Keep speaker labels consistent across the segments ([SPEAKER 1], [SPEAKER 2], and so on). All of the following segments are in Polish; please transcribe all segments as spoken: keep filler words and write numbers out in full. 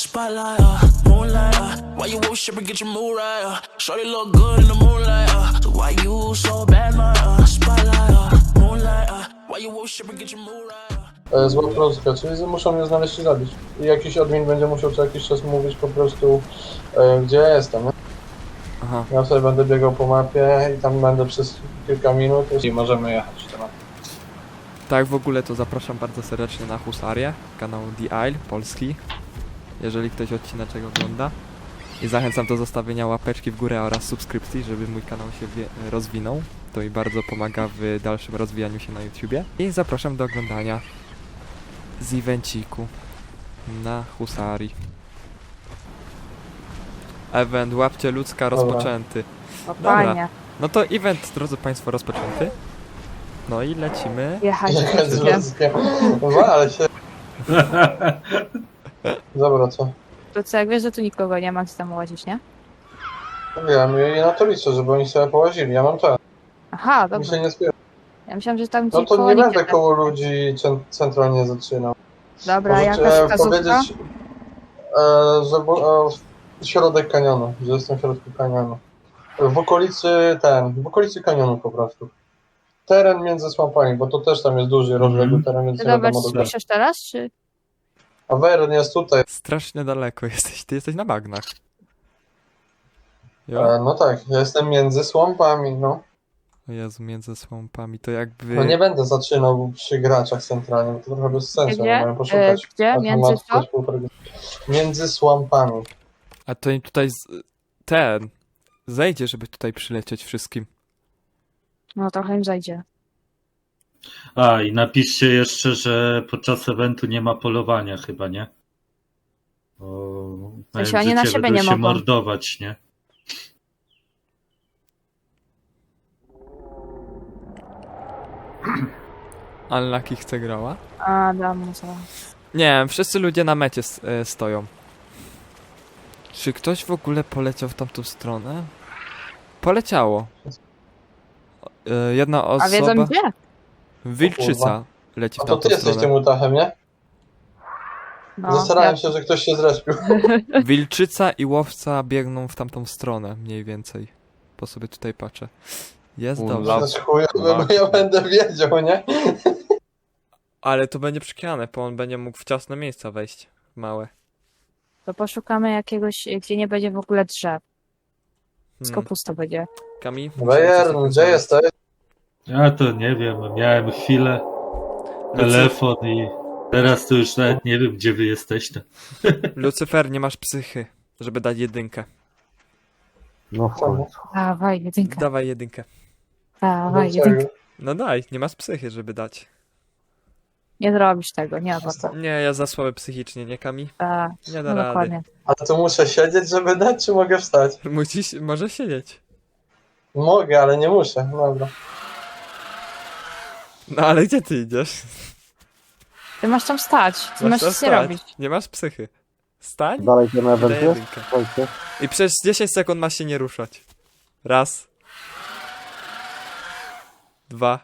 [SPEAKER 1] spotlight, uh, moonlight, uh, why you worship and get your mood right, uh, shorty look good in the moonlight, uh, so why you so bad, my, uh, spotlight, uh, moonlight, uh, why you worship and get your mood right, uh.
[SPEAKER 2] Zła polska, czyli muszą mnie znaleźć i zabić. I jakiś admin będzie musiał co jakiś czas mówić po prostu, e, gdzie ja jestem, nie?
[SPEAKER 3] Aha.
[SPEAKER 2] Ja sobie będę biegał po mapie i tam będę przez kilka minut i możemy jechać temat.
[SPEAKER 3] Tak, w ogóle to zapraszam bardzo serdecznie na Husarię, kanał The Isle, polski, jeżeli ktoś odcineczek ogląda. I zachęcam do zostawienia łapeczki w górę oraz subskrypcji, żeby mój kanał się wie- rozwinął. To mi bardzo pomaga w dalszym rozwijaniu się na YouTubie. I zapraszam do oglądania z evenciku na Husarii. Event Łapcie Ludzka
[SPEAKER 2] Dobra.
[SPEAKER 3] rozpoczęty.
[SPEAKER 4] No
[SPEAKER 3] Dobra.
[SPEAKER 4] fajnie.
[SPEAKER 3] No to event, drodzy Państwo, rozpoczęty. No i lecimy.
[SPEAKER 4] Jechać
[SPEAKER 2] Jechać z
[SPEAKER 4] ludzkiem.
[SPEAKER 2] ludzkiem. Wal się. Dobra, co?
[SPEAKER 4] To co, jak wiesz, że tu nikogo nie ma, gdzie tam łazić, nie?
[SPEAKER 2] Wiem, i na to liczę, żeby oni sobie połazili. Ja mam czas.
[SPEAKER 4] Aha,
[SPEAKER 2] Mi
[SPEAKER 4] dobra.
[SPEAKER 2] się nie spiesz.
[SPEAKER 4] Ja myślałam, że tam
[SPEAKER 2] No
[SPEAKER 4] gdzie
[SPEAKER 2] to
[SPEAKER 4] koło
[SPEAKER 2] nie
[SPEAKER 4] nich
[SPEAKER 2] będę
[SPEAKER 4] jest.
[SPEAKER 2] koło ludzi cen- centralnie zaczynał.
[SPEAKER 4] Dobra,
[SPEAKER 2] Możecie
[SPEAKER 4] jakaś
[SPEAKER 2] e,
[SPEAKER 4] wskazówka?
[SPEAKER 2] powiedzieć, e, że bu- e, środek kanionu, że jestem w środku kanionu. W okolicy ten, w okolicy kanionu po prostu. Teren między słampami, bo to też tam jest duży, rozległy teren, więc
[SPEAKER 4] Ty
[SPEAKER 2] nie
[SPEAKER 4] dobra,
[SPEAKER 2] wiadomo dokładnie.
[SPEAKER 4] słyszysz teraz, czy?
[SPEAKER 2] A Wern jest tutaj.
[SPEAKER 3] Strasznie daleko jesteś, ty jesteś na bagnach. Jo?
[SPEAKER 2] E, no tak, ja jestem między słampami, no.
[SPEAKER 3] O Jezu, między słampami, to jakby...
[SPEAKER 2] No nie będę zaczynał przy graczach centralnie, bo to trochę bez sensu,
[SPEAKER 4] Gdzie?
[SPEAKER 2] nie mają poszukać.
[SPEAKER 4] E, gdzie?
[SPEAKER 2] A to
[SPEAKER 4] Między
[SPEAKER 2] ma
[SPEAKER 4] co?
[SPEAKER 2] coś półtora- Między słampami.
[SPEAKER 3] A to im tutaj z... ten... zejdzie, żeby tutaj przylecieć wszystkim.
[SPEAKER 4] No trochę im zajdzie.
[SPEAKER 5] A, i napiszcie jeszcze, że podczas eventu nie ma polowania chyba, nie? Bo
[SPEAKER 4] sensie
[SPEAKER 5] mają
[SPEAKER 4] oni na
[SPEAKER 5] życie,
[SPEAKER 4] siebie
[SPEAKER 5] będą
[SPEAKER 4] nie
[SPEAKER 5] się
[SPEAKER 4] mogą.
[SPEAKER 5] mordować, nie?
[SPEAKER 3] Unlucky chce grała?
[SPEAKER 4] A, dam co.
[SPEAKER 3] Nie, wszyscy ludzie na mecie s- e, stoją. Czy ktoś w ogóle poleciał w tamtą stronę? Poleciało. E, jedna osoba...
[SPEAKER 4] A wiedzą gdzie?
[SPEAKER 3] Wilczyca leci
[SPEAKER 2] A
[SPEAKER 3] w
[SPEAKER 2] to
[SPEAKER 3] tamtą
[SPEAKER 2] ty jesteś
[SPEAKER 3] stronę.
[SPEAKER 2] tym utachem, nie?
[SPEAKER 4] No,
[SPEAKER 2] Zastarałem
[SPEAKER 4] ja-
[SPEAKER 2] się, że ktoś się zrespił.
[SPEAKER 3] Wilczyca i łowca biegną w tamtą stronę, mniej więcej. Po sobie tutaj patrzę. Jest
[SPEAKER 5] U,
[SPEAKER 3] dobrze.
[SPEAKER 5] la-
[SPEAKER 2] To jest chujowe, bo ja będę wiedział, nie?
[SPEAKER 3] Ale to będzie przykrywane, bo on będzie mógł w ciasne miejsca wejść. Małe.
[SPEAKER 4] To poszukamy jakiegoś, gdzie nie będzie w ogóle drzew. Wszystko
[SPEAKER 3] Hmm.
[SPEAKER 4] pusto będzie.
[SPEAKER 3] Kami?
[SPEAKER 2] Wern, gdzie jesteś?
[SPEAKER 5] Ja to nie wiem, miałem chwilę, telefon i teraz to już nawet nie wiem, gdzie wy jesteście.
[SPEAKER 3] Lucyfer, nie masz psychy, żeby dać jedynkę.
[SPEAKER 6] No w końcu.
[SPEAKER 4] Dawaj, jedynkę.
[SPEAKER 3] Dawaj jedynkę.
[SPEAKER 4] Dawaj,
[SPEAKER 2] Dlaczego?
[SPEAKER 4] jedynkę.
[SPEAKER 3] No daj, nie masz psychy, żeby dać.
[SPEAKER 4] Nie zrobisz tego, nie ma to.
[SPEAKER 3] Nie, ja za słaby psychicznie, nie Kami?
[SPEAKER 4] A,
[SPEAKER 3] Nie da
[SPEAKER 4] no
[SPEAKER 3] rady.
[SPEAKER 4] dokładnie.
[SPEAKER 2] A to muszę siedzieć, żeby dać, czy mogę wstać?
[SPEAKER 3] Musisz, może siedzieć.
[SPEAKER 2] Mogę, ale nie muszę. Dobra.
[SPEAKER 3] No ale gdzie ty idziesz?
[SPEAKER 4] Ty masz tam stać, ty masz
[SPEAKER 3] tam
[SPEAKER 4] nic nie robić.
[SPEAKER 3] Nie masz psychy. Stań
[SPEAKER 6] Dalej ten
[SPEAKER 3] i daj
[SPEAKER 6] event jest?
[SPEAKER 3] jedynkę.
[SPEAKER 6] Słuchajcie.
[SPEAKER 3] I przez dziesięć sekund masz się nie ruszać. Raz. Dwa.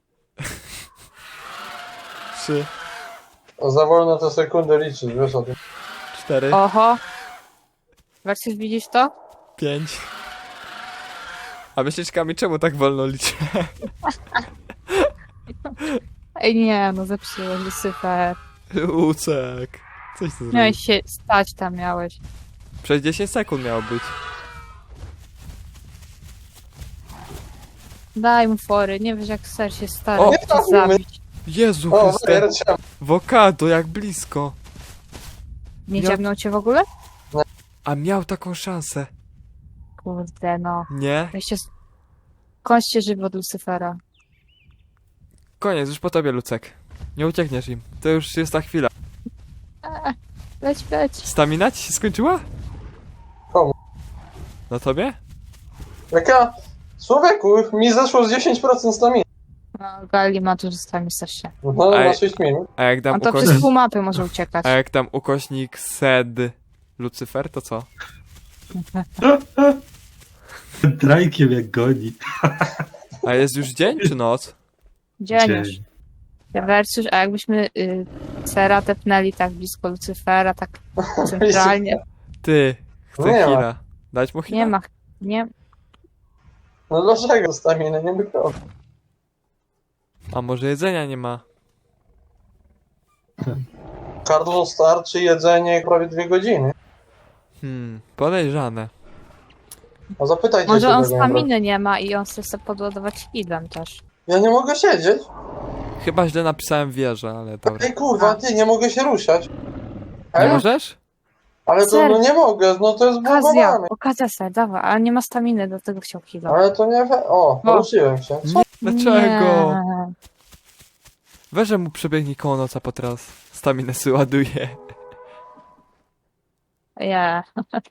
[SPEAKER 3] Trzy.
[SPEAKER 2] O, za wolno to sekundę liczysz, wiesz o tym.
[SPEAKER 3] Cztery.
[SPEAKER 4] Oho. Wersysz, widzisz to?
[SPEAKER 3] Pięć. A myślisz, Kami, czemu tak wolno liczę?
[SPEAKER 4] Ej nie, no zepsułeś, Lucyfer.
[SPEAKER 3] Łucek. Coś ty zrobił.
[SPEAKER 4] Miałeś się stać tam, miałeś.
[SPEAKER 3] Przez dziesięć sekund miało być.
[SPEAKER 4] Daj mu fory, nie wiesz jak ser się stara,
[SPEAKER 3] O!
[SPEAKER 4] cię zabić.
[SPEAKER 3] Jezu
[SPEAKER 2] O,
[SPEAKER 3] Chryste.
[SPEAKER 2] Wern, cię-
[SPEAKER 3] Wokado, jak blisko.
[SPEAKER 4] Nie
[SPEAKER 3] Miał-
[SPEAKER 4] dziabnął cię w ogóle?
[SPEAKER 3] A miał taką szansę.
[SPEAKER 4] Kurde no.
[SPEAKER 3] Nie?
[SPEAKER 4] Weźcie... Kończcie żywot Lucyfera.
[SPEAKER 3] Koniec, już po tobie, Lucek. Nie uciekniesz im. To już jest ta chwila.
[SPEAKER 4] Eee, leć, leć.
[SPEAKER 3] Stamina ci się skończyła?
[SPEAKER 2] Komu?
[SPEAKER 3] Na tobie?
[SPEAKER 2] Jaka? Człowieku, mi zeszło z dziesięć procent staminy.
[SPEAKER 4] No, Gali ma tu zostami strasznie.
[SPEAKER 2] No,
[SPEAKER 3] Ej.
[SPEAKER 2] na sześć minut.
[SPEAKER 3] A jak dam
[SPEAKER 4] On to
[SPEAKER 3] ukośnik...
[SPEAKER 4] przez pół mapy może uciekać.
[SPEAKER 3] A jak tam ukośnik sed Lucyfer, to co?
[SPEAKER 5] Drajkiem jak goni.
[SPEAKER 3] A jest już dzień czy noc?
[SPEAKER 4] Dzień już. Versus, a jakbyśmy y, Cera tepnęli tak blisko Lucyfera, tak centralnie.
[SPEAKER 3] Ty, chcę
[SPEAKER 2] Nie ma.
[SPEAKER 3] heala. Dać mu heala?
[SPEAKER 4] Nie ma, nie,
[SPEAKER 2] No dlaczego staminy nie wychodzi?
[SPEAKER 3] A może jedzenia nie ma?
[SPEAKER 2] Cardinal starczy jedzenie prawie dwie godziny.
[SPEAKER 3] Hmm, podejrzane.
[SPEAKER 2] A zapytajcie
[SPEAKER 4] może
[SPEAKER 2] się
[SPEAKER 4] on
[SPEAKER 2] tego,
[SPEAKER 4] staminy nie ma i on chce sobie podładować healem też.
[SPEAKER 2] Ja nie mogę siedzieć.
[SPEAKER 3] Chyba źle napisałem wieżę, ale dobra.
[SPEAKER 2] Ej kurwa, ty, nie mogę się ruszać.
[SPEAKER 3] Nie
[SPEAKER 2] Ej,
[SPEAKER 3] możesz?
[SPEAKER 2] ale to
[SPEAKER 4] Serio?
[SPEAKER 2] no nie mogę, no to jest
[SPEAKER 4] Okazja,
[SPEAKER 2] blokowane.
[SPEAKER 4] okazja sobie, dawaj, ale nie ma staminy, do tego chciał healem.
[SPEAKER 2] Ale to nie we... O,
[SPEAKER 4] No.
[SPEAKER 2] ruszyłem się.
[SPEAKER 3] Nie, dlaczego?
[SPEAKER 4] Nie.
[SPEAKER 3] Weź mu przebiegnie koło noca po teraz. Staminę sobie ładuje.
[SPEAKER 4] Nie.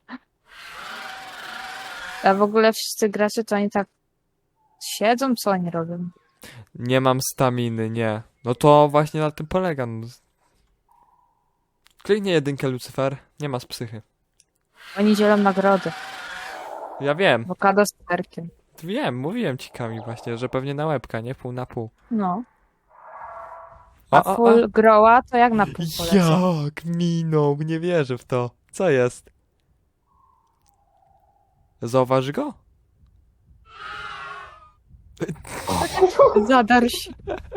[SPEAKER 4] A w ogóle wszyscy gracze to oni tak siedzą, co oni robią?
[SPEAKER 3] Nie mam staminy, nie. No to właśnie na tym polega. No. Kliknij jedynkę, Lucyfer. Nie ma z psychy.
[SPEAKER 4] Oni dzielą nagrody.
[SPEAKER 3] Ja wiem.
[SPEAKER 4] Awokado z perkiem.
[SPEAKER 3] Wiem, mówiłem ci Kami właśnie, że pewnie na łebka, nie? Pół na pół.
[SPEAKER 4] No.
[SPEAKER 3] O,
[SPEAKER 4] A
[SPEAKER 3] o, o.
[SPEAKER 4] full groła to jak na pół polecę?
[SPEAKER 3] Jak minął, nie wierzę w to. Co jest? Zauważy go?
[SPEAKER 4] Zadarł się.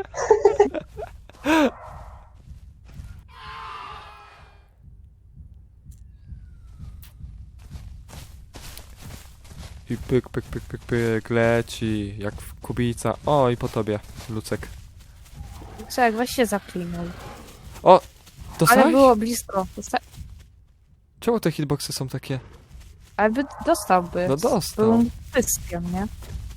[SPEAKER 3] I pyk, pyk, pyk, pyk, pyk, leci, jak w kubica. O, i po tobie, Lucek.
[SPEAKER 4] Czek, weź się zaklinuj.
[SPEAKER 3] O,
[SPEAKER 4] Ale
[SPEAKER 3] dostałeś?
[SPEAKER 4] było blisko. Dosta...
[SPEAKER 3] Czemu te hitboxy są takie?
[SPEAKER 4] Ale by dostałby.
[SPEAKER 3] No dostał.
[SPEAKER 4] Był pyskiem, nie?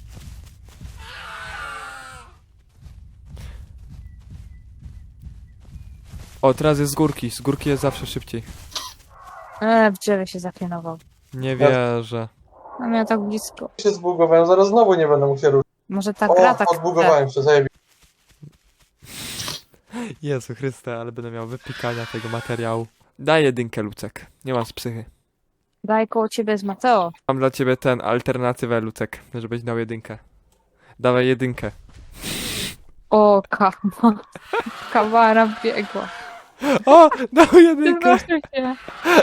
[SPEAKER 3] O, teraz jest z górki, z górki jest zawsze szybciej.
[SPEAKER 4] E, w drzewie się zaklinował.
[SPEAKER 3] Nie wierzę.
[SPEAKER 4] A miał tak blisko.
[SPEAKER 2] się zbugowałem, zaraz znowu nie będę mógł się ruszyć.
[SPEAKER 4] Może ta
[SPEAKER 2] O,
[SPEAKER 4] gra tak
[SPEAKER 2] odbugowałem się, zajebiście.
[SPEAKER 3] Jezu Chryste, ale będę miał wypikania tego materiału. Daj jedynkę, Lucek. Nie mam z psychy.
[SPEAKER 4] Daj koło ciebie jest Mateo.
[SPEAKER 3] Mam dla ciebie ten, alternatywę, Lucek, żebyś dał jedynkę. Dawaj jedynkę.
[SPEAKER 4] O, kama. Kamara biegła.
[SPEAKER 3] O, dał
[SPEAKER 4] Ty
[SPEAKER 3] jedynkę.
[SPEAKER 4] proszę się.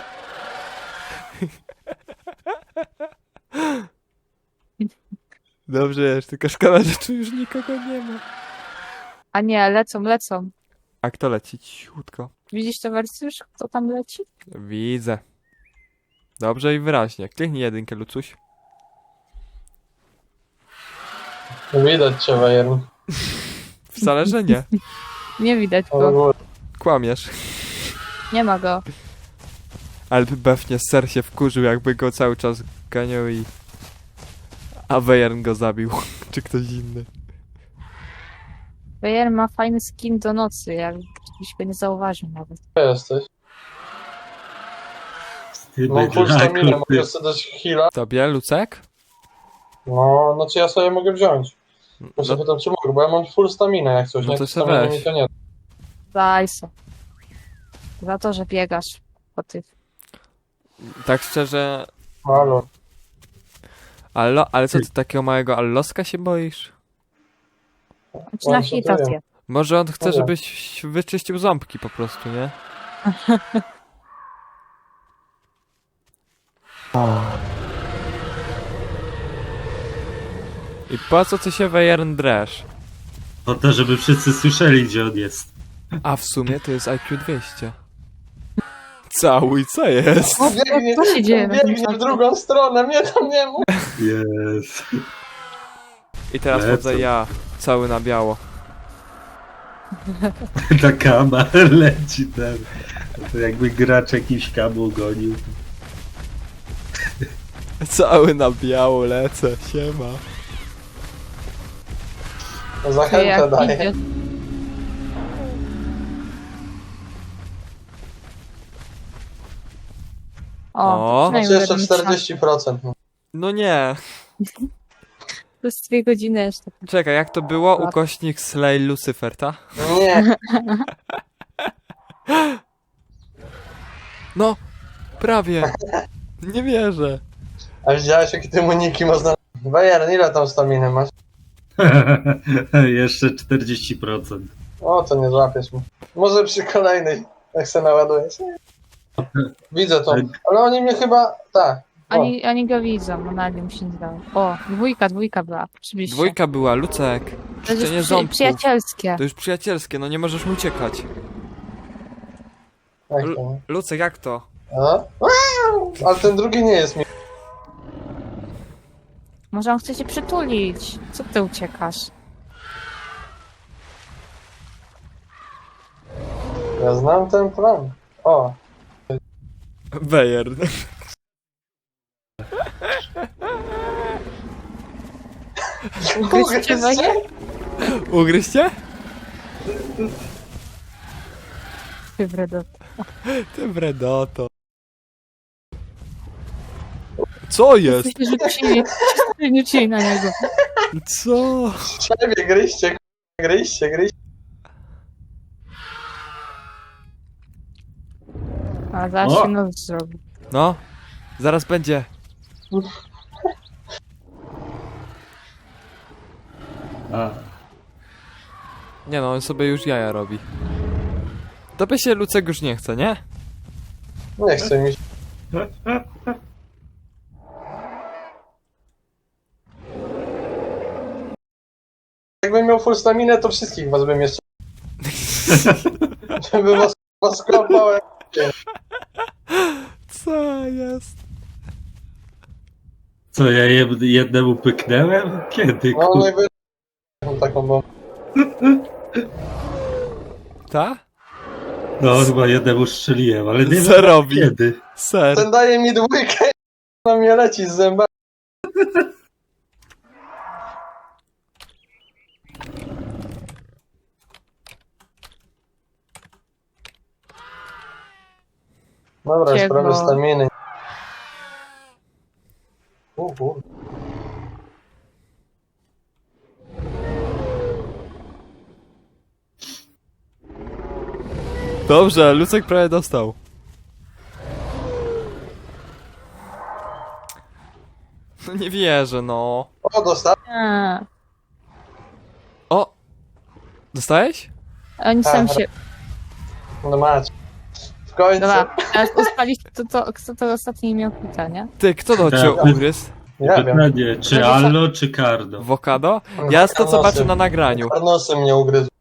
[SPEAKER 3] Dobrze jest, tylko szkoda, że tu już nikogo nie ma.
[SPEAKER 4] A nie, lecą, lecą.
[SPEAKER 3] A kto leci? Cichutko.
[SPEAKER 4] Widzisz to wersję już? Kto tam leci?
[SPEAKER 3] Widzę. Dobrze i wyraźnie. Kliknij jedynkę, Lucuś.
[SPEAKER 2] Widać cię, Wejern.
[SPEAKER 3] Wcale, że nie.
[SPEAKER 4] Nie widać
[SPEAKER 2] O,
[SPEAKER 4] go.
[SPEAKER 2] góry.
[SPEAKER 3] Kłamiesz.
[SPEAKER 4] Nie ma go.
[SPEAKER 3] Ale pewnie ser się wkurzył, jakby go cały czas ganiał i... A Wejern go zabił. Czy ktoś inny.
[SPEAKER 4] Bayer ma fajny skin do nocy, jakbyś go nie zauważył nawet.
[SPEAKER 2] Gdzie jesteś?
[SPEAKER 5] Ty
[SPEAKER 2] Mam full
[SPEAKER 5] bydlaku,
[SPEAKER 2] staminę,
[SPEAKER 5] ty.
[SPEAKER 2] mogę sobie dać heala.
[SPEAKER 3] Tobie, Lucek?
[SPEAKER 2] No, znaczy ja sobie mogę wziąć. Muszę
[SPEAKER 3] No,
[SPEAKER 2] pytam, czy mogę, bo ja mam full staminę jak coś,
[SPEAKER 3] No
[SPEAKER 2] nie?
[SPEAKER 3] to se
[SPEAKER 2] Staminy
[SPEAKER 3] weź.
[SPEAKER 2] mi to nie.
[SPEAKER 4] Daj se. Za to, że biegasz po tych.
[SPEAKER 3] tak szczerze...
[SPEAKER 2] Halo.
[SPEAKER 3] Allo, ale co ty takiego małego alloska się boisz?
[SPEAKER 4] Czy na
[SPEAKER 2] On się
[SPEAKER 4] hita
[SPEAKER 2] dzieje.
[SPEAKER 4] zje.
[SPEAKER 3] Może on chce,
[SPEAKER 2] Dobra.
[SPEAKER 3] żebyś wyczyścił ząbki po prostu, nie? I po co ty się Wejern dresz?
[SPEAKER 5] Po to, żeby wszyscy słyszeli, gdzie on jest.
[SPEAKER 3] A w sumie to jest I Q dwieście. Cały, co jest?
[SPEAKER 4] O,
[SPEAKER 2] Biegnie,
[SPEAKER 4] co się dzieje?
[SPEAKER 2] biegnie w drugą stronę, mnie tam nie ma.
[SPEAKER 5] Jest.
[SPEAKER 3] I teraz
[SPEAKER 5] Lecą.
[SPEAKER 3] chodzę ja, cały na biało.
[SPEAKER 5] Ta kama leci ten. To jakby gracz jakiś kamu gonił.
[SPEAKER 3] Cały na biało lecę, siema.
[SPEAKER 4] Ty
[SPEAKER 2] Zachętę
[SPEAKER 4] jak
[SPEAKER 2] daję.
[SPEAKER 4] idzie. O,
[SPEAKER 3] O.
[SPEAKER 4] przynajmniej
[SPEAKER 2] Znaczy jeszcze
[SPEAKER 4] będę mieć szansę.
[SPEAKER 2] czterdzieści procent.
[SPEAKER 3] No nie.
[SPEAKER 4] Plus dwie godziny jeszcze.
[SPEAKER 3] Czekaj, jak to było? Ukośnik Slay Lucifer, ta?
[SPEAKER 2] Nie,
[SPEAKER 3] No, prawie. Nie wierzę.
[SPEAKER 2] a widziałeś jakie ty uniki można... Wejern, ile tam staminy masz?
[SPEAKER 5] Jeszcze czterdzieści procent.
[SPEAKER 2] O, to nie złapiesz mnie. Może przy kolejnej, jak se naładujesz. Widzę to. Ale oni mnie chyba... Tak. O,
[SPEAKER 4] Oni, oni go widzą, no nagle mi się nie dało. O, dwójka, dwójka była, oczywiście.
[SPEAKER 3] Dwójka była, Lucek.
[SPEAKER 4] To jest
[SPEAKER 3] Czyszczenie
[SPEAKER 4] już przy,
[SPEAKER 3] ząbków.
[SPEAKER 4] przyjacielskie.
[SPEAKER 3] To już przyjacielskie, no nie możesz mu uciekać.
[SPEAKER 2] jak
[SPEAKER 3] L-
[SPEAKER 2] to?
[SPEAKER 3] Lucek, jak to?
[SPEAKER 2] A? Wow! Ale ten drugi nie jest mi.
[SPEAKER 4] Może on chce cię przytulić. Co ty uciekasz?
[SPEAKER 2] Ja znam ten plan. O,
[SPEAKER 3] Bejer.
[SPEAKER 4] Ugryźcie moje?
[SPEAKER 3] Ugryźcie?
[SPEAKER 4] Ty wredot.
[SPEAKER 3] Ty wredoto. Co jest?
[SPEAKER 4] Coś rzucili, coś rzucili na niego.
[SPEAKER 3] Co?
[SPEAKER 2] ciebie gryźcie, gryźcie, gryźcie.
[SPEAKER 4] A zaraz
[SPEAKER 5] O!
[SPEAKER 4] się noc zrobi.
[SPEAKER 3] No, zaraz będzie.
[SPEAKER 5] A,
[SPEAKER 3] Nie no, on sobie już jaja robi. Tobie się Lucek już nie chce, nie?
[SPEAKER 2] Nie chce mi się. Jakbym miał full staminę, to wszystkich was bym jeszcze... Żeby was, was skopałem.
[SPEAKER 3] Co jest?
[SPEAKER 5] co, ja jed- jednemu pyknęłem? Kiedy?
[SPEAKER 2] No
[SPEAKER 5] Kur...
[SPEAKER 2] najwyżej taką bombę.
[SPEAKER 3] Ta?
[SPEAKER 5] No chyba jednemu strzeliłem, ale nie
[SPEAKER 3] Co
[SPEAKER 5] wiem
[SPEAKER 3] robi?
[SPEAKER 5] kiedy.
[SPEAKER 3] Ser.
[SPEAKER 2] Ten daje mi dwójkę i na mnie leci z zębami. Dobra, już
[SPEAKER 4] Ciego.
[SPEAKER 2] prawie staminy. U, u.
[SPEAKER 3] Dobrze, Lucek prawie dostał. No nie wierzę, no.
[SPEAKER 2] O, dostał.
[SPEAKER 4] A,
[SPEAKER 3] O! Dostałeś?
[SPEAKER 4] oni sam się...
[SPEAKER 2] No macie. W końcu.
[SPEAKER 4] Dobra, teraz ustaliście, to, to, kto to ostatni miał hita, nie?
[SPEAKER 3] Ty, kto to cię
[SPEAKER 5] Tak.
[SPEAKER 3] ugryzł?
[SPEAKER 2] Ja wiem.
[SPEAKER 5] Pytanie, czy Allo, czy Cardo?
[SPEAKER 3] Wokado? Ja to co zobaczę na nagraniu.
[SPEAKER 2] Karnosem mnie ugryzł.